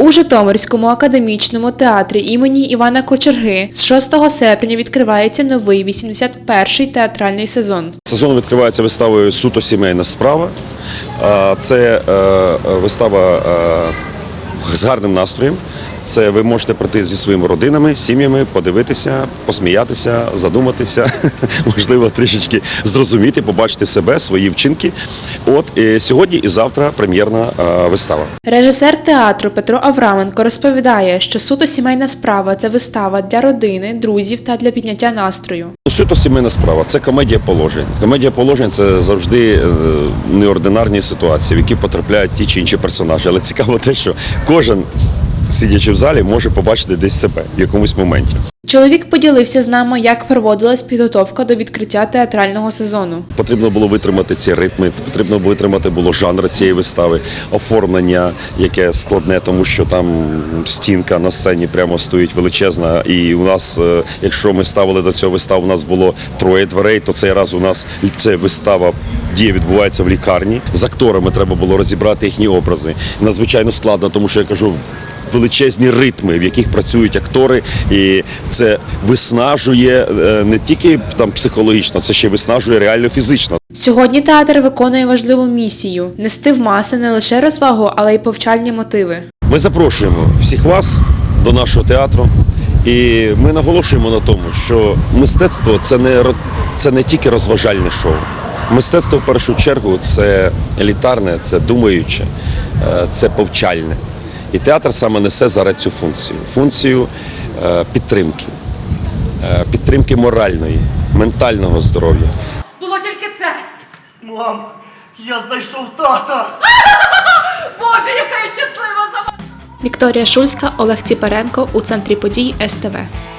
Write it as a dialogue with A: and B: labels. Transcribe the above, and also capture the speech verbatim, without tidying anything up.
A: У Житомирському академічному театрі імені Івана Кочерги з шостого серпня відкривається новий вісімдесят перший театральний сезон.
B: Сезон відкривається виставою «Суто сімейна справа». Це вистава з гарним настроєм. Це ви можете прийти зі своїми родинами, сім'ями, подивитися, посміятися, задуматися, можливо, трішечки зрозуміти, побачити себе, свої вчинки. От і сьогодні і завтра прем'єрна вистава.
A: Режисер театру Петро Авраменко розповідає, що «Суто сімейна справа» – це вистава для родини, друзів та для підняття настрою.
B: «Суто сімейна справа» – це комедія положень. Комедія положень – це завжди неординарні ситуації, в які потрапляють ті чи інші персонажі. Але цікаво те, що кожен, сидячи в залі, може побачити десь себе в якомусь моменті.
A: Чоловік поділився з нами, як проводилась підготовка до відкриття театрального сезону.
B: Потрібно було витримати ці ритми, потрібно було витримати було жанр цієї вистави, оформлення, яке складне, тому що там стінка на сцені прямо стоїть величезна. І у нас, якщо ми ставили до цього виставу, у нас було троє дверей, то цей раз у нас це вистава, дія відбувається в лікарні. З акторами треба було розібрати їхні образи. Надзвичайно складно, тому що я кажу, величезні ритми, в яких працюють актори, і це виснажує не тільки там психологічно, це ще виснажує реально фізично.
A: Сьогодні театр виконує важливу місію – нести в маси не лише розвагу, але й повчальні мотиви.
B: Ми запрошуємо всіх вас до нашого театру, і ми наголошуємо на тому, що мистецтво – це не, це не тільки розважальне шоу. Мистецтво, в першу чергу, це елітарне, це думаюче, це повчальне. І театр саме несе зараз цю функцію. Функцію е, підтримки. Е, підтримки моральної, ментального здоров'я.
C: Було тільки це.
D: Мам, я знайшов тата!
C: Боже, яка я щаслива за вас!
A: Вікторія Шульська, Олег Ціпаренко. У центрі подій ес те ве.